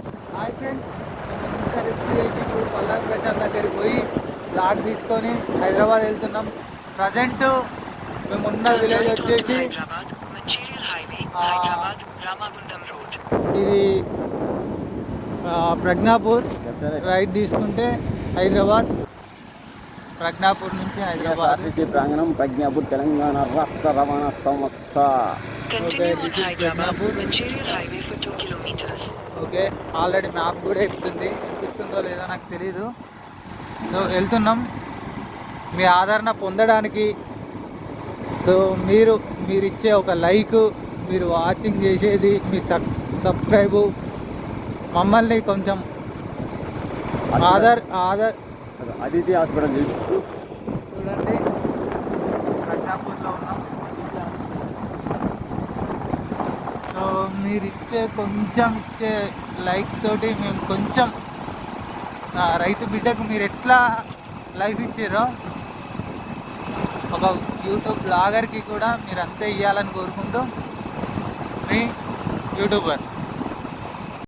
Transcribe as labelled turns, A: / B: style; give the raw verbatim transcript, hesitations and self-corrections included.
A: Hi friends, మేము ఇంత risk చేసి ఇప్పుడు పల్లాకి ప్రశాంత్ దగ్గరికి పోయి లాగ్ తీసుకొని హైదరాబాద్ వెళ్తున్నాం. ప్రజెంట్ మేము ఉన్న విలేజ్ వచ్చేసి ఆ, ఇది ఆ, ప్రజ్ఞాపూర్. రైట్ తీసుకుంటే హైదరాబాద్, ప్రజ్ఞాపూర్ నుంచి హైదరాబాద్.
B: ఆర్టీసీ ప్రాంగణం, ప్రజ్ఞాపూర్, తెలంగాణ రాష్ట్ర రవాణా సంస్థ.
A: ఓకే, ఆల్రెడీ మ్యాప్ కూడా ఎక్కుతుంది, ఎక్కిస్తుందో లేదో నాకు తెలీదు. సో వెళ్తున్నాం మీ ఆదరణ పొందడానికి. సో మీరు మీరు ఇచ్చే ఒక లైక్, మీరు వాచింగ్ చేసేది, మీ సబ్ సబ్స్క్రైబు మమ్మల్ని కొంచెం ఆధార్ ఆధార్
B: అదితి హాస్పిటల్ చూస్తూ
A: చూడండి. ప్రజ్ఞాపూర్లో ఉన్నాం. సో మీరు ఇచ్చే కొంచెం ఇచ్చే లైక్ తోటి మేము కొంచెం ఆ, రైతు బిడ్డకు మీరు ఎట్లా లైఫ్ ఇచ్చారో ఒక యూట్యూబ్ బ్లాగర్కి కూడా మీరు అంతే ఇవ్వాలని కోరుకుంటూ మీ యూట్యూబర్.